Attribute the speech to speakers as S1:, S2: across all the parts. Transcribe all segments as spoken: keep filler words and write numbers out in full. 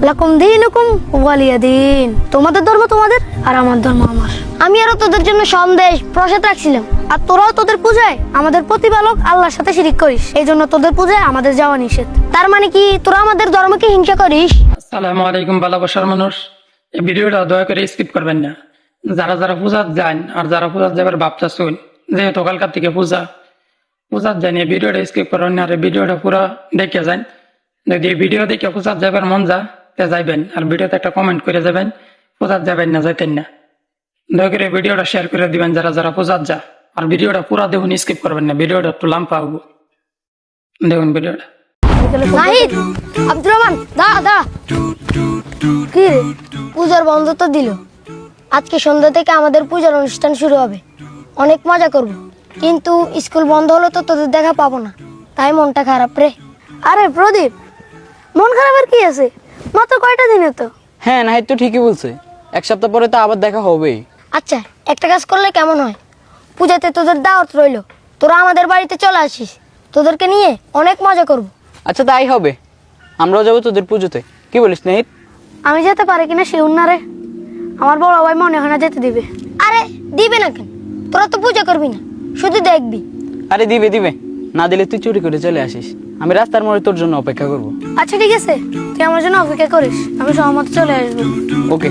S1: লাকুম দীনুকুম ওয়ালিয়া দিন। তোমাদের ধর্ম তোমাদের আর আমার ধর্ম আমার। আমি আরো তোদের জন্য সন্দেশ প্রসাদ রাখছিলাম, আর তোরাও তোদের পূজায় আমাদের প্রতিপালক আল্লাহর সাথে শিরিক করিস, এই জন্য তোদের পূজায় আমাদের যাওয়া নিষেধ। তার মানে কি তোরা আমাদের ধর্মকে হিংসা করিস?
S2: আসসালামু আলাইকুম ভালোবাসার মানুষ, এই ভিডিওটা দয়া করে স্কিপ করবেন না। যারা যারা পূজার যান আর যারা পূজার যাবার ভাবতা শুন, যেহেতু কালকার থেকে পূজা পূজার যান, এই ভিডিওটা স্কিপ করবেন না, আর এই ভিডিওটা পুরো দেখে যান। যদি এই ভিডিও দেখে পূজার যাবার মন যা তে যাইবেন, আর ভিডিওতে একটা কমেন্ট করে যাবেন পূজার যাবেন না যাইতেন না। দয়া করে ভিডিওটা শেয়ার করে দিবেন যারা যারা পূজার যা, আর ভিডিওটা পুরো দেখুন, স্কিপ করবেন না, ভিডিওটা একটু লাম্পা হবো। দেখুন ভিডিওটা।
S1: নাহিদ, আব্দুর রহমান, দা দা কি রে, পূজার বন্ধ তো দিল। আজকে সন্ধ্যা থেকে আমাদের পূজার অনুষ্ঠান শুরু হবে, অনেক মজা করব, কিন্তু স্কুল বন্ধ হলো তো তোদের দেখা পাবো না, তাই মনটা খারাপ রে। আরে প্রদীপ, মন খারাপের কি আছে, মাত্র কয়টা দিনে তো।
S3: হ্যাঁ নাহিদ তো ঠিকই বলছে, এক সপ্তাহ পরে তো আবার দেখা হবেই।
S1: আচ্ছা, একটা কাজ করলে কেমন হয়, পূজাতে তোদের দাওয়াত রইলো, তোরা আমাদের বাড়িতে চলে আসিস, তোদেরকে নিয়ে অনেক মজা করব।
S3: আচ্ছা তাই হবে, আমরাও যাবো তোদের পুজোতে, কি বলিস নাহিদ?
S1: আমি যেতে পারি কিনা শিউর না রে, আমার বড় ভাই মনে হয় না যেতে দিবে। আরে দিবে না কেন, তোরা তো পূজা করবি না, শুধু দেখবি।
S3: আরে দিবে দিবে, না দিলে তুই চুরি করে চলে আসিস, আমি রাস্তার মোড়ে তোর জন্য অপেক্ষা করব।
S1: আচ্ছা ঠিক আছে, তুই আমার জন্য অপেক্ষা করিস, আমি সহমত চলে আসবো।
S3: ওকে।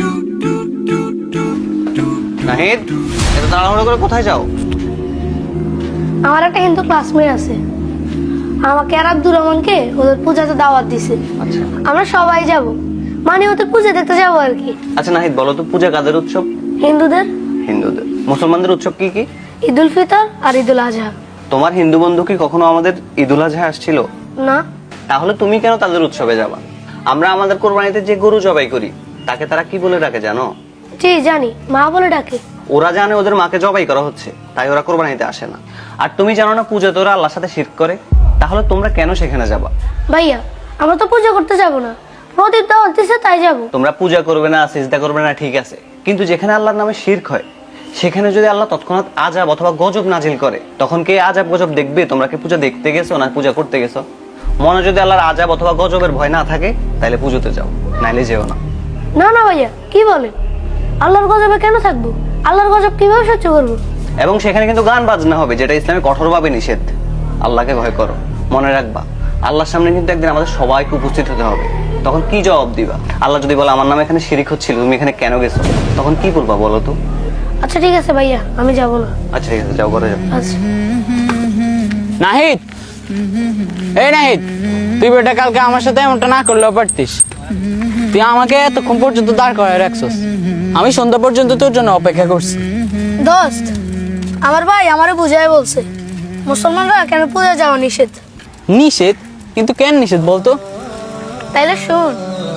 S4: নাহিদ, এত তাড়াহুড়ো করে কোথায় যাও?
S1: আমার একটা হিন্দু ক্লাসমেট আছে, আমাকে আর আব্দুর রহমানকে ওদের পূজাতে দাওয়াত দিছে।
S4: আচ্ছা
S1: আমরা সবাই যাব, মানে ওদের পূজা দেখতে যাবো আর কি।
S4: আচ্ছা নাহিদ, বলো তো পূজা কাদের উৎসব?
S1: হিন্দুদের।
S4: হিন্দুদের। মুসলমানদের উৎসব কি কি?
S1: ঈদুল ফিতর আর ঈদুল আজহা।
S4: তোমার হিন্দু বন্ধু কি কখনো আমাদের ঈদুল আজহা আসছিল?
S1: না।
S4: তাহলে তুমি কেন তাদের উৎসবে যাবা? আমরা আমাদের কোরবানিতে যে গরু জবাই করি তাকে তারা কি বলে ডাকে জানো?
S1: জি জানি, মা বলে ডাকে।
S4: ওরা জানে ওদের মাকে জবাই করা হচ্ছে, তাই ওরা কোরবানিতে আসে না। আর তুমি জানো না পূজাতে ওরা আল্লাহর সাথে শিরক করে, তাহলে তোমরা কেন সেখানে যাবা?
S1: ভাইয়া, আমরা তো পূজা করতে যাব না, প্রদীপ দাওয়াত দিছে তাই যাব।
S4: তোমরা পূজা করবে না, সিজদা করবে না, ঠিক আছে, কিন্তু যেখানে আল্লাহর নামে শিরক হয় সেখানে যদি আল্লাহ তৎক্ষণাৎ আযাব অথবা গজব নাজিল করে, তখন কে আযাব গজব দেখবে? তোমরা কি পূজা দেখতে গেছো না পূজা করতে গেছো? মনে যদি আল্লাহর আযাব অথবা গজবের ভয় না থাকে তাহলে পুজোতে যাও, নাইলে যেও না।
S1: না না ভাইয়া, কি বলেন, আল্লাহর গজবে কেন থাকবো, আল্লাহর গজব কিভাবে সহ্য করবো?
S4: এবং সেখানে কিন্তু গান বাজনা হবে, যেটা ইসলামে কঠোরভাবে নিষেধ। আল্লাহকে ভয় করো, মনে রাখবা আল্লাহর সামনে কিন্তু একদিন আমাদের সবাইকে উপস্থিত হতে হবে, তখন কি জবাব দিবা? আল্লাহ যদি বলে আমার নামে এখানে শিরিক হচ্ছিল, তুমি এখানে কেন গেছো, তখন কি বলবা বলো তো?
S1: আচ্ছা ঠিক আছে ভাইয়া, আমি যাব না।
S4: আচ্ছা ঠিক আছে, যাও ঘরে যাও।
S1: আচ্ছা।
S3: নাহিদ, এই নাহিদ, তুই বেটা কালকে আমার সাথে এমনটা না করলেও পারতিস, তুই আমাকে এতক্ষণ পর্যন্ত দাঁড় করায় রাখছস, আমি সন্ধ্যা পর্যন্ত তোর জন্য অপেক্ষা করছি।
S1: দোস্ত, আমার ভাই আমারে বুঝাই বলছে মুসলমানরা কেন পূজা যাওয়া নিষেধ।
S3: নিষেধ? কিন্তু কেন নিষেধ বলতো?
S1: তাইলে শুন।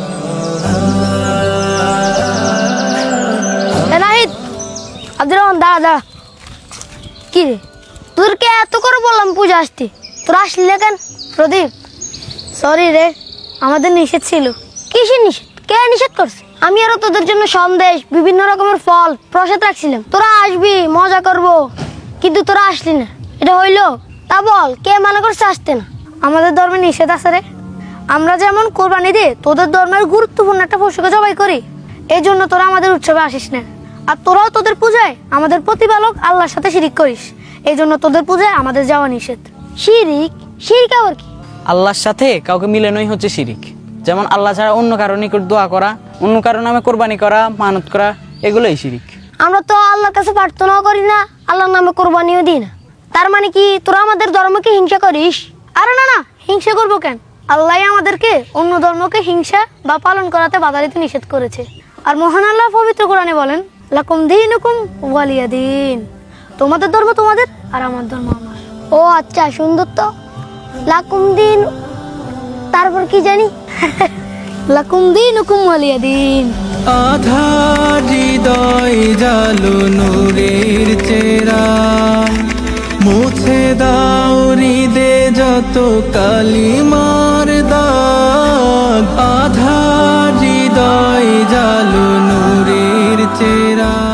S1: এ নাহিদ, আব্দুর রহমান, দাঁড়া দাঁড়া। কি রে, তোরকে এত করে বললাম পূজা আসতে, তোরা আসলি না কেন? প্রদীপ, সরি রে, আমাদের নিষেধ ছিল। কিসের নিষেধ, কে নিষেধ করছে? আমি আরো তোদের জন্য সন্দেশ বিভিন্ন রকমের ফল প্রসাদ রাখছিলাম, তোরা আসবি মজা করব, কিন্তু তোরা আসলি না, এটা হইলো? তা বল, কে মানা করছে আসতে না? আমাদের ধর্মে নিষেধ আছে রে, আমরা যেমন কোরবানি দিয়ে তোদের ধর্মের গুরুত্বপূর্ণ একটা পশুকে জবাই করি, এই জন্য তোরা আমাদের উৎসবে আসিস না। আর তোরাও তোদের পূজায় আমাদের প্রতিপালক আল্লাহর সাথে শিরিক করিস, এই জন্য তোদের পূজায় আমাদের যাওয়া নিষেধ। শিরিক? শিরিক আবার কি?
S3: আল্লাহর সাথে কাউকে মিলানোই হচ্ছে শিরিক, যেমন আল্লাহ ছাড়া অন্য কারো নিকট দোয়া করা, অন্য কারো নামে কোরবানি করা, মানত করা, এগুলোই শিরিক।
S1: আমরা তো আল্লাহর কাছে প্রার্থনাও করি না, আল্লাহর নামে কোরবানিও দিই না, তার মানে কি তোরা আমাদের ধর্মকে হিংসা করিস? আরে না না, হিংসা করবো কেন, আল্লাহ আমাদেরকে অন্য ধর্মকে হিংসা বা পালন করাতে বাধা দিতে নিষেধ করেছে। আর মহান আল্লাহ পবিত্র কোরআনে বলেন, লাকুম দীনুকুম ওয়ালিয়া দিন। তোমাদের ধর্ম তোমাদের আর আমার ধর্ম আমার। ও আচ্ছা, সুন্দর তো। লাকুম দিন, তারপর কি জানি? লাকুম দীনুকুম ওয়ালিয়া দিন।
S5: আধার হৃদয় জালো নূরের চেরা, মুছে দাও হৃদে যত কালিমার দাগ। আধার হৃদয় জালো নূরের চেরা।